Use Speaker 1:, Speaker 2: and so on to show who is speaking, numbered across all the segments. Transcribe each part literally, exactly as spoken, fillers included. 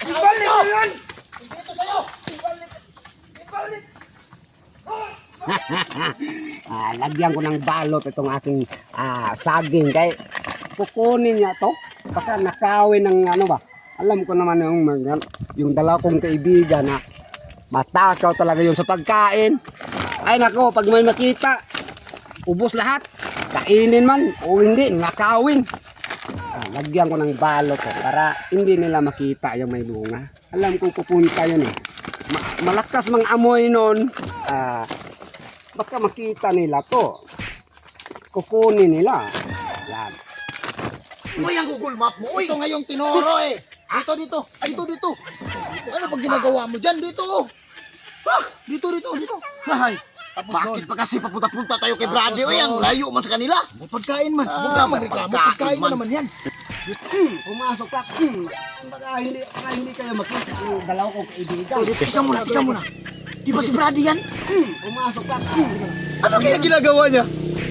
Speaker 1: Ibalik mo yun! Dito sa'yo! Ibalik! Ibalik!
Speaker 2: ah, lagyan ko ng balot itong aking ah, saging kay kukunin niya to baka nakawin ng ano ba, alam ko naman yung mga- yung dalaw kong kaibigan na matakaw talaga yun sa pagkain. Ay nako, pag may makita ubos lahat, kainin man o hindi, nakawin. ah, lagyan ko ng balot to para hindi nila makita yung may bunga. Alam kong pupunta yun eh. Ma- malakas mang amoy nun. ah baka makita nila to, kukunin nila yan.
Speaker 1: Uy, ang Google Map mo! Uy! Ito ngayong tinoro eh! Dito, dito! Dito, dito! Ano pag ginagawa mo dyan? Dito! Ah! Dito, dito, dito! Hay! Bakit pa kasi papunta-punta tayo kay Brady? Uy, ang layo man sa kanila! Pagkain man! Huwag ka magreklamo! Pagkain mo naman yan!
Speaker 2: Hmm, pumasok ka. Hmm, baka hindi, baka hindi kayo makita yung dalaw kong kaibigan.
Speaker 1: Tika muna, tika muna! Di ba si Brady yan?
Speaker 2: Hmm, pumasok ka. Hmm.
Speaker 1: Ano kaya ginagawa niya?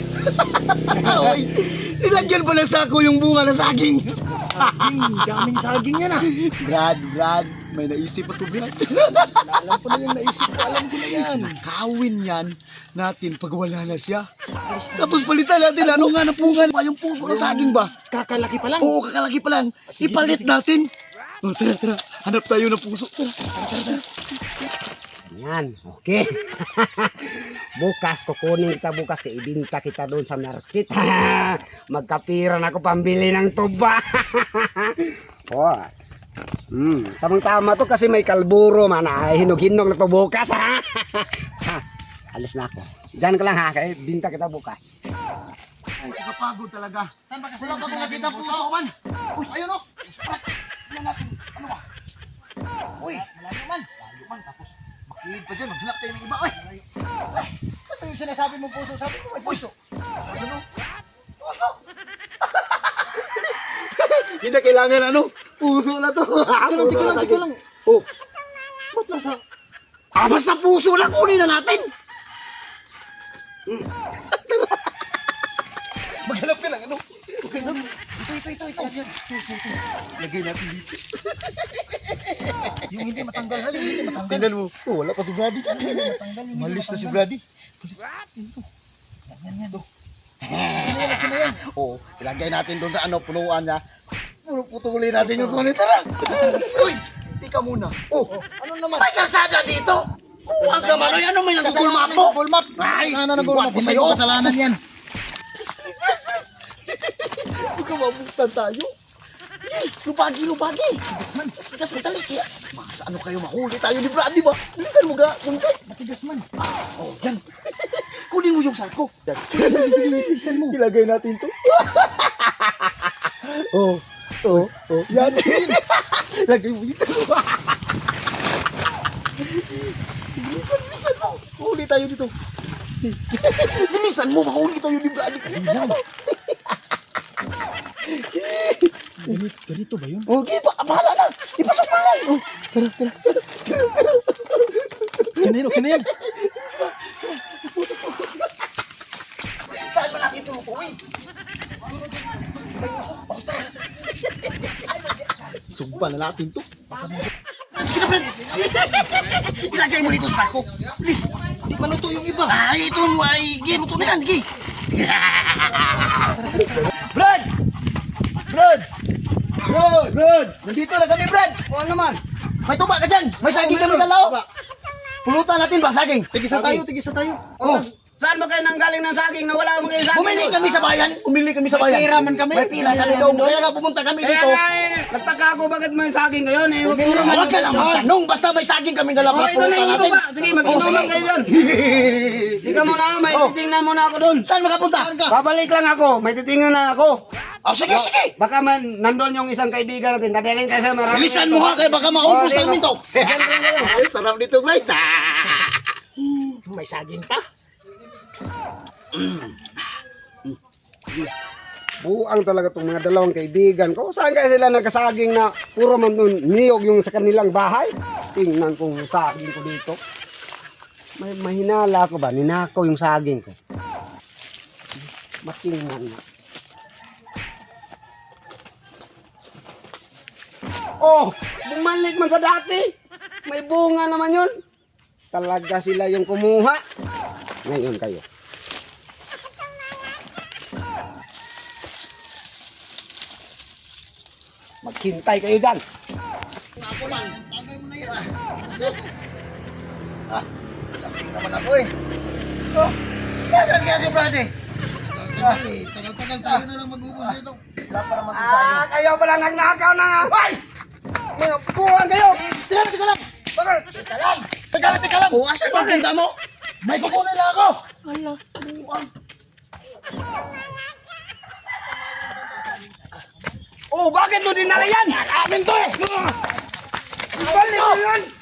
Speaker 1: Uy, nilagyan pa ng sako yung bunga ng saging. Saging, daming saging yan ah. Brad, Brad, may naisip pa to, Brad. Alam ko na yung naisip ko, alam ko na yan. Kawin yan natin pag wala na siya. Tapos palitan natin, ano nga na bunga pa yung puso ng saging ba? Kakalaki pa lang? Oo, kakalaki pa lang. Ipalit natin. Oh, tara, tara, hanap tayo ng puso. Tara, tara, tara, tara.
Speaker 2: Yan, okay. Bukas, kukunin kita bukas, kaya ibinta kita doon sa market. Magkapiran ako pambili ng tuba. Oh. Hmm, tamang-tama to kasi may kalburo man. Ay, hinog-hinog na to bukas. Ha? Alis na ako. Diyan ka lang ha, kaya binta kita bukas.
Speaker 1: Ay, nakapagod talaga. Saan ba kasi wala pa kung nakita puso man? Uy, ayun o. Tingnan natin. Ano ba? Uy, malayo man. Malayo man. Tapos, makinig pa dyan. Maghanap tayo ng iba. Uy. Ay, saan ba yung sinasabi mong puso? Sabi mo may puso. Ano? Puso. Hindi na kailangan ano. Puso na to. Tika lang, tika lang, tika lang. Oh. Ba't nasa... Ah, basta puso na. Kunin na natin. Hmm. Maghanap ka lang, ano? Maghanap. Ito, ito, ito, ito. Yan. Lagay natin dito. Yung hindi matanggal, yung hindi matanggal. Tingnan mo. Oh, wala pa si Brady dyan. Malis na si Brady. Ito. Yan, yan, do. Kinayan, kinayan. Oo, ilagay natin doon sa ano, punuan niya. Putulin natin yung kulit. Tara. Uy, tika muna. Oh, ano naman? May kalsada dito. Huwag ka man. Ano mo yung Google Map mo? Google Map. Ay, ano na Google Map? Hindi mo kasalanan yan. Huwag ka mabutan tayo. Lubagi, lubagi. Matigas man. Matigas man tali. Kaya, mas ano kayo mahuli tayo ni Brady ba? Bilisan mo ga. Kunti. Matigas man. Oh, yan. Kunin mo yung sako. Sige, sige, sige. Bilisan mo. Ilagay natin to. Oh, oh, oh. Yan. Lagay mo yung sako. Bilisan, bilisan mo. Mahuli tayo dito. Bilisan mo. Mahuli tayo ni Brady. Bilisan mo. Ganito, ganito ba yun? Okay, ba bahala na. Ipasok mo lang. Oh, tara, tara, tara. Kinayan, oh, kinayan. Saan ba natin tulutuin? Oh, tara. Sugba na natin to. Sige na, friend. Ilagay mo dito sa sako. Please, di maluto yung iba. Ay, ito mo ay, gi, luto na yan, gi. Brad! Brad! Brad! Brad! Nandito na kami, Brad!
Speaker 2: O ano man?
Speaker 1: May tuba ka dyan! May saging kami dalaw! Pulutan natin ba, saging? Tigisa tayo, tigisa tayo.
Speaker 2: O, saan ba kayo nanggaling ng saging na wala mo kayo saging?
Speaker 1: Pumili kami sa bayan! Pumili kami sa bayan! May pira man kami! May pira kami doon! Kaya nga pumunta kami
Speaker 2: Kaya
Speaker 1: dito!
Speaker 2: nga eh, nagtaka ako bakit may saging kayo eh.
Speaker 1: Huwag ka lang magtanong! Basta may saging kami dalawa!
Speaker 2: O, ito na yung tuba. Sige, mag-inuman kayo dyan. Ika muna, may titingnan muna ako dun.
Speaker 1: Saan magapunta?
Speaker 2: Babalik lang ako, may titingnan na ako.
Speaker 1: Oh, sige, sige!
Speaker 2: Baka man, nandun yung isang kaibigan natin. Dadalhin kayo sa marami.
Speaker 1: Bilisan mo ha, kaya baka maubos
Speaker 2: Oh, di
Speaker 1: namin
Speaker 2: ba?
Speaker 1: to!
Speaker 2: Diyan lang kayo.
Speaker 1: Sarap nito, Bright! May saging pa?
Speaker 2: Buang talaga itong mga dalawang kaibigan ko. Saan kaya sila nagkasaging na puro man dun niyog yung sa kanilang bahay? Tingnan kong saging ko dito. May mahinala ko ba? Ninakaw yung saging ko. Matingnan na. Oh! bumalik man sa dati. May bunga naman yun. Talaga sila yung kumuha. Ngayon kayo. Maghintay kayo dyan.
Speaker 1: Ako man, tagay mo na yan ah. Ah, lasing naman ako eh. Oh, saan kaya si Brady? Tagal-tagal tayo na lang mag-ubos dito. Wala pa naman tayo.
Speaker 2: Ah, kayo pala nagnakaw na nga. Ay! Mga buwan kayo!
Speaker 1: Teka, teka lang!
Speaker 2: Bakit?
Speaker 1: Teka lang! Teka lang, teka lang! Oh, asan ba tinda mo? May kukunin lang ako!
Speaker 2: Hala. Oh, bakit mo dinala yan?
Speaker 1: Amin to eh!
Speaker 2: Ibalik mo yan!